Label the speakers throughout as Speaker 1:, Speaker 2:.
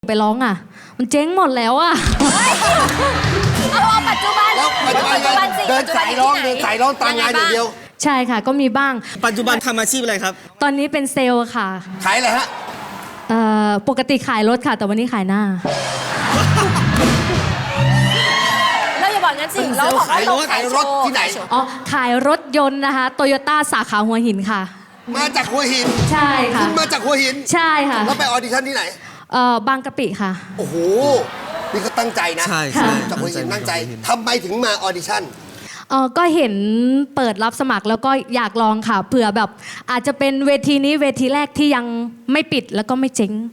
Speaker 1: ไปร้องอ่ะมันเจ๊งหมดแล้วอ่ะ
Speaker 2: เอาปัจจุบัน
Speaker 3: แล้วปัจจุบันเดินสายร้องตามงานอย่างเดียว
Speaker 1: ใช่ค่ะก็มีบ้าง
Speaker 4: ปัจจุบันทำอาชีพอะไรครับ
Speaker 1: ตอนนี้เป็นเซลล์ค่ะ
Speaker 3: ขายอะไรฮะ
Speaker 1: ปกติขายรถค่ะแต่วันนี้ขายหน้า
Speaker 2: เราอย่าบอกงั้นสิเราบอกว่าเราขายรถ
Speaker 3: ที่ไหน
Speaker 1: อ๋อขายรถยนต์นะคะโตโยต้าสาขาหัวหินค่ะ
Speaker 3: มาจากหัวหิน
Speaker 1: ใช่ค่ะ
Speaker 3: คุณมาจากหัวหิน
Speaker 1: ใช่ค่ะ
Speaker 3: แล้วไปออดิชั่นที่ไหน
Speaker 1: บางกะปิค่ะ
Speaker 3: โอ้โหนี่เขาตั้งใจนะ
Speaker 4: ใช่
Speaker 3: จากหัวหินตั้งใจทำไมถึงมาออดิชั่น
Speaker 1: ก็เห็นเปิดรับสมัครแล้วก็อยากลองค่ะเผื่อแบบอาจจะเป็นเวทีนี้เวทีแรกที่ยังไม่ปิดแล้วก็ไม่เจ๊ง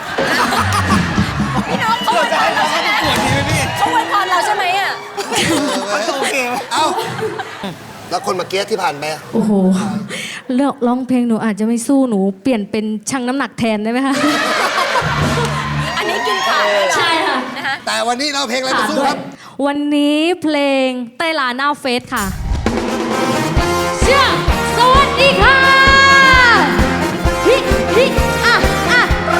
Speaker 2: พี่น้องเขาอวยพรเราใช่ไหมเขาอวยพรเราใช่ไหมอ่ะ
Speaker 3: โอเคเอ้าแล้วคนเมื่อกี้ที่ผ่านไป
Speaker 1: โอ้โหเลือกร้องเพลงหนูอาจจะไม่สู้หนูเปลี่ยนเป็นชั่งน้ำหนักแทนได้ไหมคะ
Speaker 2: อันนี้กินขาด
Speaker 1: ใช่ค่ะ
Speaker 3: แต่วันนี้เราเพลงอะไรมาสู้ครับ
Speaker 1: วันนี้เพลงเต้ลาหน้าเฟสค่ะเชื่อสวัสดีค่ะฮิฮิอ่ะอ่ะ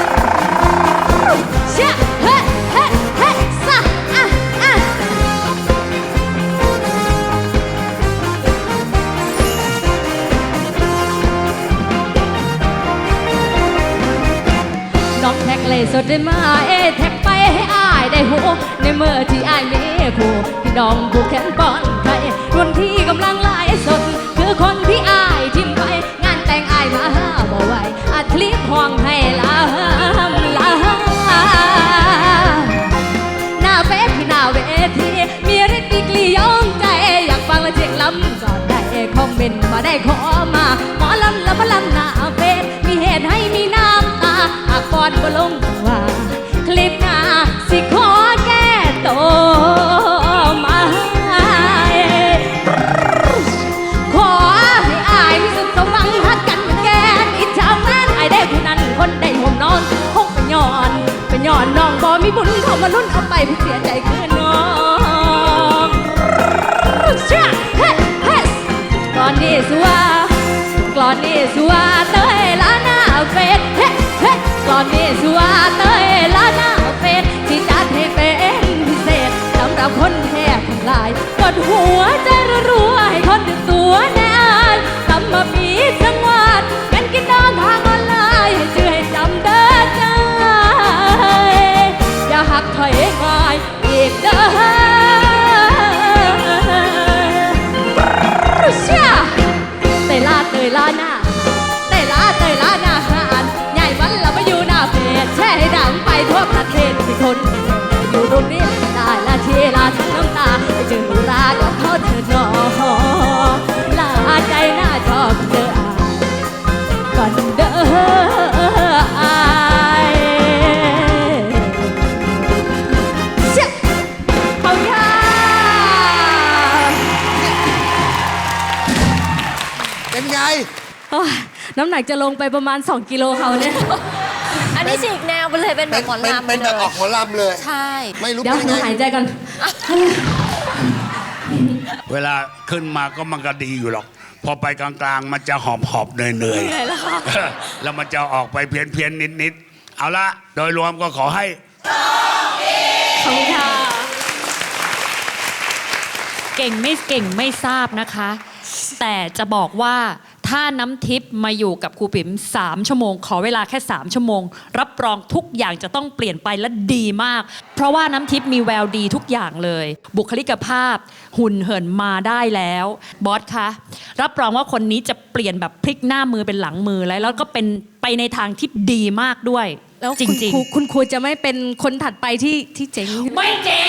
Speaker 1: เชื่อเฮ้เฮ้เฮ้ซะอ่ะอ่ะน้องแท็กเลยสดได้มาแท็กไปให้อายได้หัวในเมื่อที่อายมีคู่พี่น้องผู้แขนป้อนใครวันที่กำลังไล่สดคือคนที่อายทิ้งไปงานแต่งอายมาบ่ไหวอัดคลิปห้องให้ลาหน้าเฟซที่หน้าเวทีมีฤทธิ์ดีกลียองใจอยากฟังและเสียงล้ำก่อนได้คอมเมนต์มาได้ขอมาหมอลำและมาลำหน้าเฟซมีเหตุให้มีน้ำตาหากปอนบ่ลงว่าคลิปหน้าสิขอแก้ตัวมาขอให้อายมีสุดสมหวังฮักกันเหมือนแกนอิจฉาแฟนอายได้ผู้นั้นคนได้ห่มนอนคงเป็นย้อนน้องบ่มีบุญเข้ามาลุ้นเอาไปผู้เสียใจคือน้องเชื่อเฮ้เฮ้กลอนนี้สัวเต้ยละหน้าเฟซเฮ้เฮ้กลอนนี้สัวเต้ยละหน้าเฟซที่จัดให้เป็นพิเศษสำหรับคนแทบทั้งหลายกดหัวใจรัวให้คนถึงตัวแน่ทำมาปีจังหวัดกันกินนอนทางออนไลน์ให้ชื่อให้จำเด้อใจอย่าหักถอยง่ายอีกเด้อเชื่อเตยลาหน้าหานใหญ่วันเราไปอยู่หน้าเฟซแช่ให้ดังไปทั่วประเทศที่คนอยู่ตรงนี้ได้ละทีลาทั้งน้ำตาไปเจอหนูรากับเขาเธอหนอลาใจหน้าจอเจอก่อนเด้ออายเชื่อเขาย่า
Speaker 3: เป็นไง
Speaker 1: น้ำหนักจะลงไปประมาณ2 กิโลเขาเนี่ย
Speaker 2: อันนี้ฉีกแนวไปเลยเป็นแบบหมอลำ
Speaker 3: เป็นแบบออกหมอลำเลย
Speaker 2: ใช่
Speaker 3: ไม่รู้
Speaker 1: เดี๋ยวหายใจก่อน
Speaker 5: เวลาขึ้นมาก็มันก็ดีอยู่หรอกพอไปกลางๆมันจะหอบเหนื่อยแล้วมันจะออกไปเพี้ยนนิดเอาละโดยรวมก็ขอให้
Speaker 1: ขอบคุณค่ะ
Speaker 6: เก่งไม่ทราบนะคะแต่จะบอกว่าถ้าน้ำทิพย์มาอยู่กับครูปิ๋ม3 ชั่วโมงขอเวลาแค่3 ชั่วโมงรับรองทุกอย่างจะต้องเปลี่ยนไปและดีมากเพราะว่าน้ำทิพย์มีแววดีทุกอย่างเลยบุคลิกภาพหุ่นเหินมาได้แล้วบอสคะรับรองว่าคนนี้จะเปลี่ยนแบบพลิกหน้ามือเป็นหลังมือแล้วก็เป็นไปในทางที่ดีมากด้วย
Speaker 1: แล้ว
Speaker 6: จริง
Speaker 1: ๆคุณครูจะไม่เป็นคนถัดไปที่เจ๋ง
Speaker 6: ไม่เจ๋ง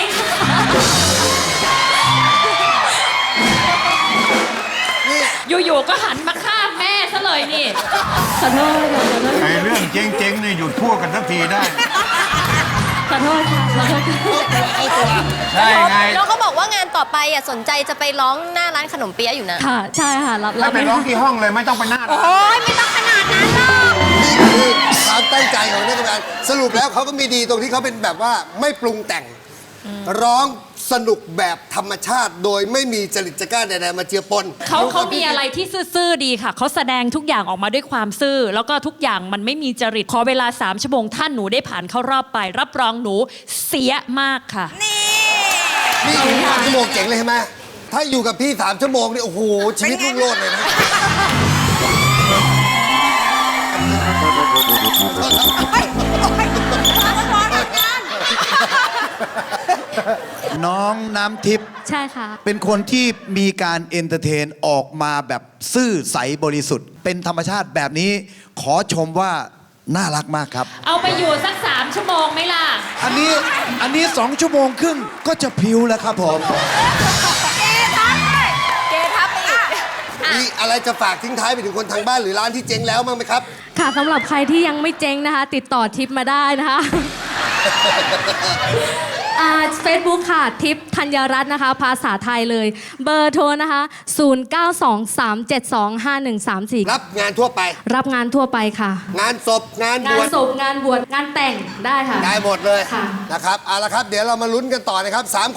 Speaker 6: อยู่ๆก็หันมาฆ่าแม่ซะเลยนี่
Speaker 1: ขอโทษค่ะ
Speaker 7: ไอ้เรื่องเจ๊งๆนี่หยุดพูดกันสักทีได้
Speaker 1: ขอโทษค่ะ
Speaker 7: ใช่ไง
Speaker 2: แล้วเขาบอกว่างานต่อไปสนใจจะไปร้องหน้าร้านขนมเปี๊ยะอยู่นะ
Speaker 1: ค่ะใช่ค่ะรับ
Speaker 7: ไปร้องที่ห้องเลยไม่ต้องไปหน้าร้าน
Speaker 2: โอ้ยไม่ต้องขนาดนั้นหรอก
Speaker 3: นี่คือความตั้งใจของนักการสรุปแล้วเขาก็มีดีตรงที่เขาเป็นแบบว่าไม่ปรุงแต่งร้องสนุกแบบธรรมชาติโดยไม่มีจริตจักร้าใดๆมาเจือปน
Speaker 6: เขามีอะไรที่ซื่อๆดีค่ะ เขาแสดงทุกอย่างออกมาด้วยความซื่อ แล้วก็ทุกอย่างมันไม่มีจริต ขอเวลา 3 ชั่วโมงถ้าหนูได้ผ่านเข้ารอบไป รับรองหนูเสียมากค่ะ
Speaker 3: นี่อยู่3 ชั่วโมงเจ๋งเลยใช่ไหมถ้าอยู่กับพี่3 ชั่วโมงนี่โอ้โหชีวิตรุ่งโรจน์เลยนะ
Speaker 4: น้องน้ำทิพย์
Speaker 1: ใช่ค่ะ
Speaker 4: เป็นคนที่มีการเอนเตอร์เทนออกมาแบบซื่อใสบริสุทธิ์ เป็นธรรมชาติแบบนี้ขอชมว่าน่ารักมากครับ
Speaker 6: เอาไปอยู่สัก 3 ชั่วโมงไหมล่ะ
Speaker 4: อันนี้2 ชั่วโมงครึ่งก็จะพริ้วแล้วครับผม
Speaker 2: เกทับไปอีก
Speaker 3: มีอะไรจะฝากทิ้งท้ายไปถึงคนทางบ้านหรือร้านที่เจ๊งแล้วมั้างไหมครับ
Speaker 1: ค่ะสำหรับใครที่ยังไม่เจ๊งนะคะ ติดต่อทิปมาได้นะคะเฟซบุ๊กค่ะ ทิปธัญรัตน์นะคะ ภาษาไทยเลย เบอร์โทรนะคะ 0923725134
Speaker 3: รับงานทั่วไป
Speaker 1: รับงานทั่วไปค่ะ
Speaker 3: งานศพงานบ
Speaker 1: งาน
Speaker 3: วช
Speaker 1: ศพงานบวชงานแต่งได้ค่ะ
Speaker 3: ได้หมดเลย
Speaker 1: ค่ะ
Speaker 3: นะครับเอาละครับเดี๋ยวเรามาลุ้นกันต่อนะครับ